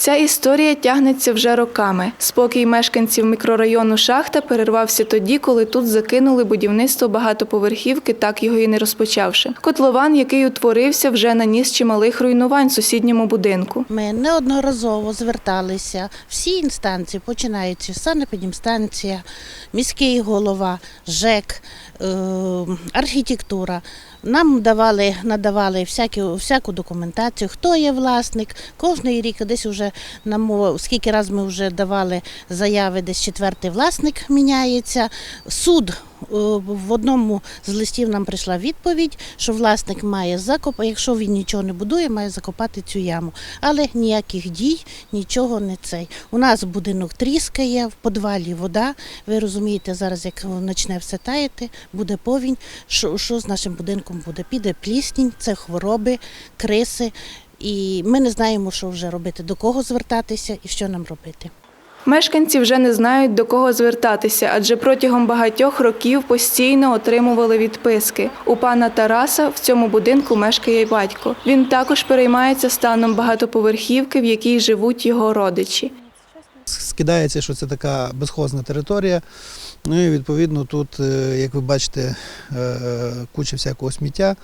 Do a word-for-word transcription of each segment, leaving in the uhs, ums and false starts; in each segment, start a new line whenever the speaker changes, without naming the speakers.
Ця історія тягнеться вже роками. Спокій мешканців мікрорайону Шахта перервався тоді, коли тут закинули будівництво багатоповерхівки, так його і не розпочавши. Котлован, який утворився, вже наніс чималих руйнувань сусідньому будинку.
Ми неодноразово зверталися, всі інстанції, починаючи санепідемстанція, міський голова, ЖЕК, архітектура. Нам давали, надавали всяку, всяку документацію, хто є власник. Кожний рік, десь вже, скільки разів ми вже давали заяви, десь четвертий власник міняється. Суд, в одному з листів нам прийшла відповідь, що власник має закопати, якщо він нічого не будує, має закопати цю яму. Але ніяких дій, нічого не цей. У нас будинок тріскає, в підвалі вода. Ви розумієте, зараз як почне все таяти, буде повінь, що, що з нашим будинком буде? Піде пліснінь, це хвороби, криси. І ми не знаємо, що вже робити, до кого звертатися і що нам робити.
Мешканці вже не знають, до кого звертатися, адже протягом багатьох років постійно отримували відписки. У пана Тараса в цьому будинку мешкає батько. Він також переймається станом багатоповерхівки, в якій живуть його родичі.
Скидається, що це така безхозна територія. Ну і відповідно тут, як ви бачите, куча всякого сміття.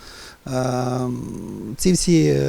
Ці всі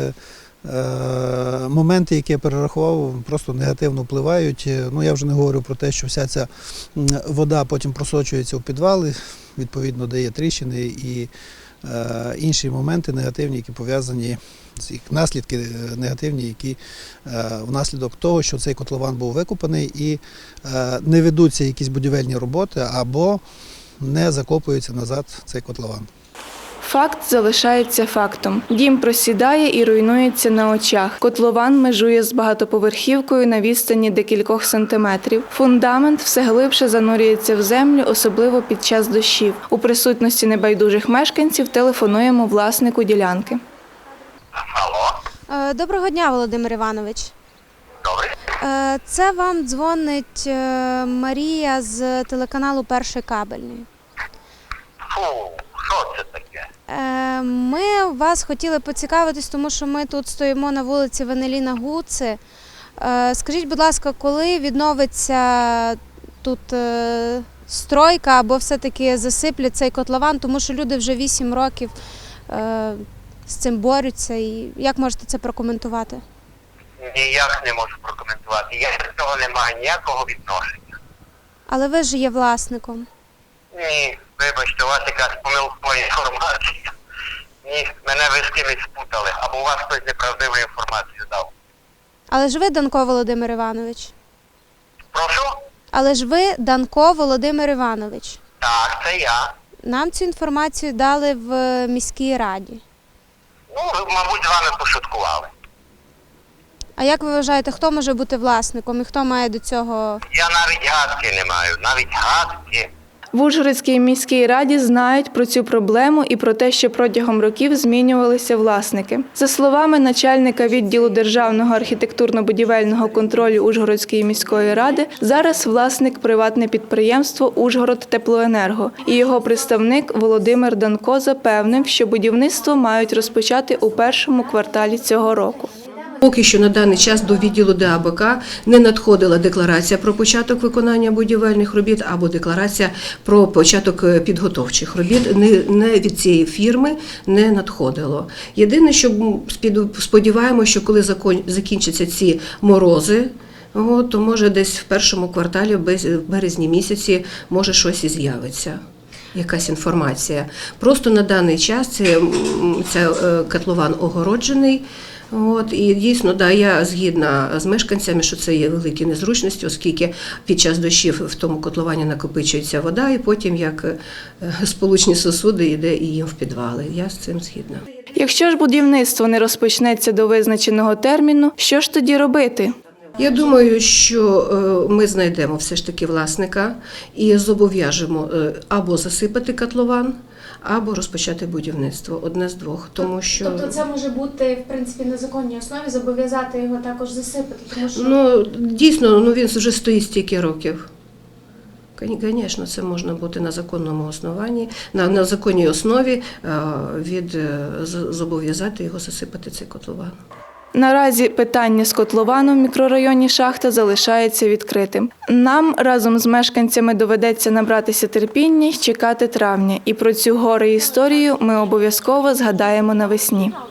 моменти, які я перерахував, просто негативно впливають. Ну, я вже не говорю про те, що вся ця вода потім просочується у підвали, відповідно дає тріщини і інші моменти негативні, які пов'язані, наслідки негативні, які внаслідок того, що цей котлован був викопаний і не ведуться якісь будівельні роботи або не закопується назад цей котлован.
Факт залишається фактом. Дім просідає і руйнується на очах. Котлован межує з багатоповерхівкою на відстані декількох сантиметрів. Фундамент все глибше занурюється в землю, особливо під час дощів. У присутності небайдужих мешканців телефонуємо власнику ділянки.
Алло. Доброго дня, Володимир Іванович.
Добре.
Це вам дзвонить Марія з телеканалу «Перший кабельний».
Фу, що це таке?
Ми вас хотіли поцікавитись, тому що ми тут стоїмо на вулиці Венеліна Гуци. Скажіть, будь ласка, коли відновиться тут стройка або все-таки засиплять цей котлован, тому що люди вже вісім років з цим борються. І як можете це прокоментувати?
Ніяк не можу прокоментувати. Я до цього не маю ніякого відношення.
Але ви ж є власником.
Ні, вибачте, у вас якась помилкова інформація. Ні, мене ви з кимось спутали, або у вас хтось неправдиву інформацію дав.
Але ж ви Данко Володимир Іванович.
Прошу?
Але ж ви Данко Володимир Іванович.
Так, це я.
Нам цю інформацію дали в міській раді.
Ну, ви, мабуть, з вами пошуткували.
А як ви вважаєте, хто може бути власником і хто має до цього?
Я навіть гадки не маю, навіть гадки.
В Ужгородській міській раді знають про цю проблему і про те, що протягом років змінювалися власники. За словами начальника відділу державного архітектурно-будівельного контролю Ужгородської міської ради, зараз власник – приватне підприємство «Ужгородтеплоенерго». І його представник Володимир Данко запевнив, що будівництво мають розпочати у першому кварталі цього року.
Поки що на даний час до відділу ДАБК не надходила декларація про початок виконання будівельних робіт або декларація про початок підготовчих робіт. Не від цієї фірми не надходило. Єдине, що сподіваємося, що коли закінчаться ці морози, то може десь в першому кварталі, в березні місяці, може щось і з'явиться. Якась інформація. Просто на даний час це, це котлован огороджений. От, і дійсно, да, я згідна з мешканцями, що це є великі незручності, оскільки під час дощів в тому котловані накопичується вода, і потім, як сполучні сосуди, йде і їм в підвали. Я з цим згідна.
Якщо ж будівництво не розпочнеться до визначеного терміну, що ж тоді робити?
Я думаю, що ми знайдемо все ж таки власника і зобов'яжемо або засипати котлован, або розпочати будівництво. Одне з двох. Тому що...
Тобто це може бути, в принципі, на законній основі, зобов'язати його також засипати? Тому що...
Ну, дійсно, ну, він вже стоїть стільки років. Звісно, це можна бути на законному основанні, на, на законній основі від, зобов'язати його засипати цей котлован.
Наразі питання з котловану в мікрорайоні Шахта залишається відкритим. Нам разом з мешканцями доведеться набратися терпіння й чекати травня. І про цю горе історію ми обов'язково згадаємо навесні.